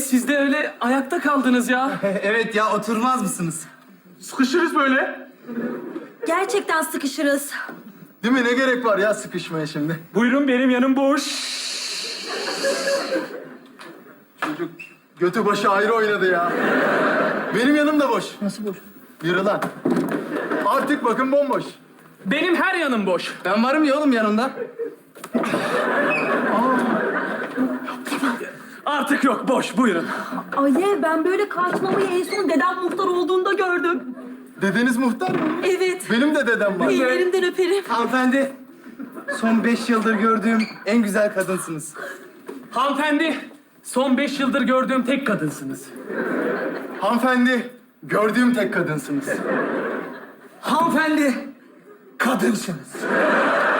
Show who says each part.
Speaker 1: siz de öyle ayakta kaldınız ya.
Speaker 2: Evet ya, oturmaz mısınız?
Speaker 3: Sıkışırız böyle.
Speaker 4: Gerçekten sıkışırız.
Speaker 5: Değil mi? Ne gerek var ya sıkışmaya şimdi?
Speaker 1: Buyurun, benim yanım boş.
Speaker 5: Çocuk götü başı ayrı oynadı ya. Benim yanım da boş.
Speaker 2: Nasıl boş?
Speaker 5: Yürü lan. Artık bakın bomboş.
Speaker 1: Benim her yanım boş.
Speaker 2: Ben varım ya oğlum yanında.
Speaker 1: Artık yok, boş. Buyurun.
Speaker 4: Alev, ben böyle kaçmamayı en son dedem muhtar olduğunda gördüm.
Speaker 5: Dedeniz muhtar mı?
Speaker 4: Evet.
Speaker 5: Benim de dedem var.
Speaker 4: Ellerinden öperim.
Speaker 2: Hanımefendi, son 5 yıldır gördüğüm en güzel kadınsınız.
Speaker 1: Hanımefendi, son 5 yıldır gördüğüm tek kadınsınız.
Speaker 5: Hanımefendi, gördüğüm tek kadınsınız.
Speaker 2: Hanımefendi, kadınsınız.